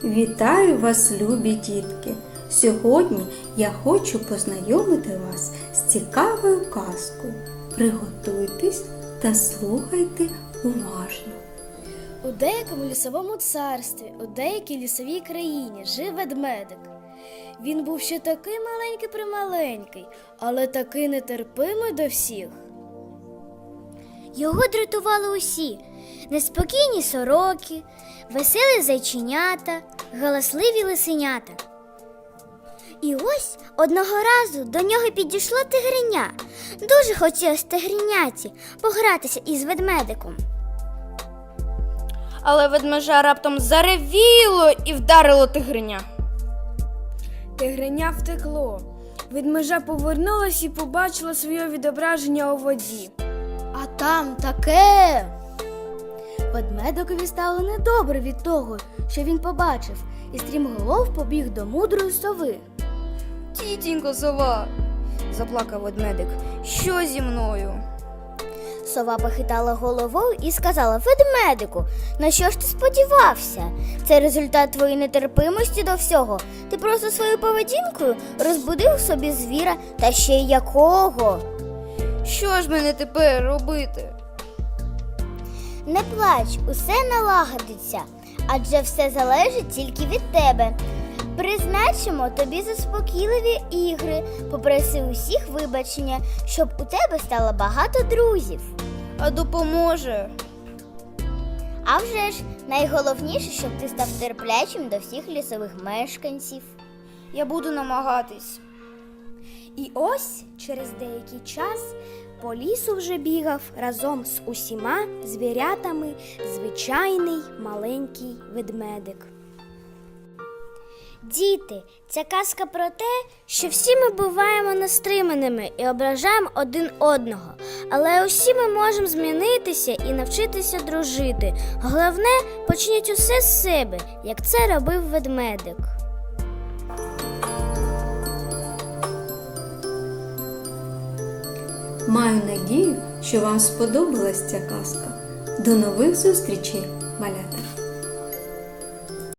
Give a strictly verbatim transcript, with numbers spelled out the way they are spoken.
Вітаю вас, любі дітки! Сьогодні я хочу познайомити вас з цікавою казкою. Приготуйтесь та слухайте уважно. У деякому лісовому царстві, у деякій лісовій країні жив ведмедик. Він був ще такий маленький-прималенький, але такий нетерпимий до всіх. Його дратували усі – неспокійні сороки, веселі зайченята, галасливі лисенята. І ось одного разу до нього підійшло тигриня. Дуже хотілося тигриняці погратися із ведмедиком. Але ведмежа раптом заревіло і вдарило тигриня. Тигриня втекло. Ведмежа повернулась і побачила своє відображення у воді. А там таке! Ведмедикові стало недобре від того, що він побачив, і стрімголов побіг до мудрої сови. «Тітінько сова!» – заплакав ведмедик. «Що зі мною?» Сова похитала головою і сказала: «Ведмедику, на що ж ти сподівався? Це результат твоєї нетерпимості до всього. Ти просто своєю поведінкою розбудив собі звіра, та ще й якого!» «Що ж мені тепер робити?» Не плач, усе налагодиться, адже все залежить тільки від тебе. Призначимо тобі заспокійливі ігри, попроси усіх вибачення, щоб у тебе стало багато друзів. А допоможе? А вже ж, найголовніше, щоб ти став терплячим до всіх лісових мешканців. Я буду намагатись. І ось через деякий час по лісу вже бігав разом з усіма звірятами звичайний маленький ведмедик. Діти, ця казка про те, що всі ми буваємо нестриманими і ображаємо один одного. Але усі ми можемо змінитися і навчитися дружити. Головне, почніть усе з себе, як це робив ведмедик. Маю надію, що вам сподобалась ця казка. До нових зустрічей, малята!